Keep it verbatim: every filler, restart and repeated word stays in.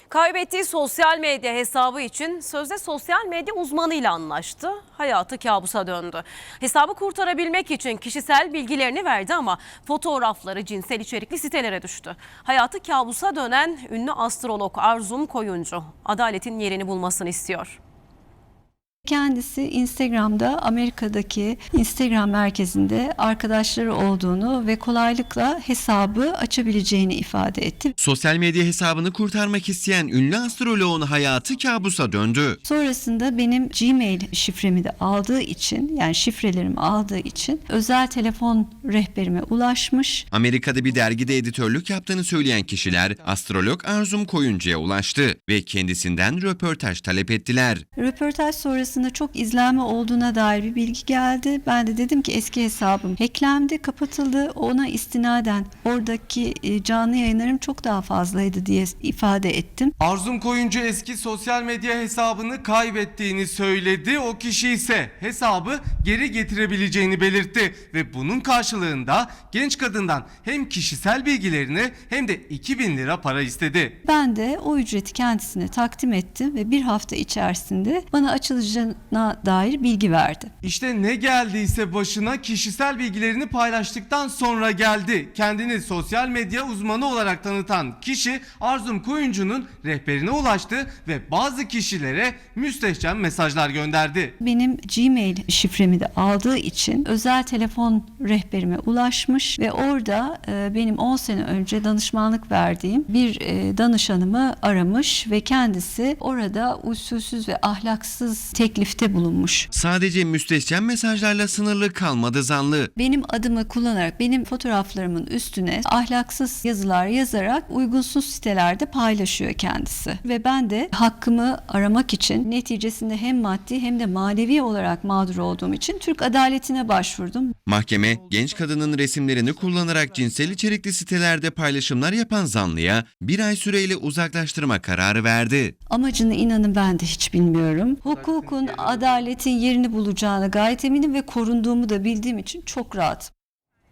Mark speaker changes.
Speaker 1: Kaybettiği sosyal medya hesabı için sözde sosyal medya uzmanıyla anlaştı. Hayatı kabusa döndü. Hesabı kurtarabilmek için kişisel bilgilerini verdi ama fotoğrafları cinsel içerikli sitelere düştü. Hayatı kabusa dönen ünlü astrolog Arzum Koyuncu adaletin yerini bulmasını istiyor.
Speaker 2: Kendisi Instagram'da Amerika'daki Instagram merkezinde arkadaşları olduğunu ve kolaylıkla hesabı açabileceğini ifade etti.
Speaker 3: Sosyal medya hesabını kurtarmak isteyen ünlü astroloğun hayatı kabusa döndü.
Speaker 2: Sonrasında benim Gmail şifremi de aldığı için, yani şifrelerimi aldığı için özel telefon rehberime ulaşmış.
Speaker 3: Amerika'da bir dergide editörlük yaptığını söyleyen kişiler astrolog Arzum Koyuncu'ya ulaştı ve kendisinden röportaj talep ettiler.
Speaker 2: Röportaj sonrasında çok izlenme olduğuna dair bir bilgi geldi. Ben de dedim ki eski hesabım hacklendi, kapatıldı. Ona istinaden oradaki canlı yayınlarım çok daha fazlaydı diye ifade ettim.
Speaker 4: Arzum Koyuncu eski sosyal medya hesabını kaybettiğini söyledi. O kişi ise hesabı geri getirebileceğini belirtti ve bunun karşılığında genç kadından hem kişisel bilgilerini hem de iki bin lira para istedi.
Speaker 2: Ben de o ücreti kendisine takdim ettim ve bir hafta içerisinde bana açılacağına dair bilgi verdi.
Speaker 4: İşte ne geldiyse başına kişisel bilgilerini paylaştıktan sonra geldi. Kendini sosyal medya uzmanı olarak tanıtan kişi Arzum Koyuncu'nun rehberine ulaştı ve bazı kişilere müstehcen mesajlar gönderdi.
Speaker 2: Benim Gmail şifremi de aldığı için özel telefon rehberime ulaşmış ve orada e, benim on sene önce danışmanlık verdiğim bir e, danışanımı aramış ve kendisi orada usulsüz ve ahlaksız teklifte bulunmuş.
Speaker 3: Sadece müstehcen mesajlarla sınırlı kalmadı zanlı.
Speaker 2: Benim adımı kullanarak benim fotoğraflarımın üstüne ahlaksız yazılar yazarak uygunsuz sitelerde paylaşıyor kendisi. Ve ben de hakkımı aramak için neticesinde hem maddi hem de manevi olarak mağdur olduğum için Türk adaletine başvurdum.
Speaker 3: Mahkeme genç kadının resimlerini kullanarak cinsel içerikli sitelerde paylaşımlar yapan zanlıya bir ay süreyle uzaklaştırma kararı verdi.
Speaker 2: Amacını inanın ben de hiç bilmiyorum. Hukukun, adaletin yerini bulacağına gayet eminim ve korunduğumu da bildiğim için çok rahatım.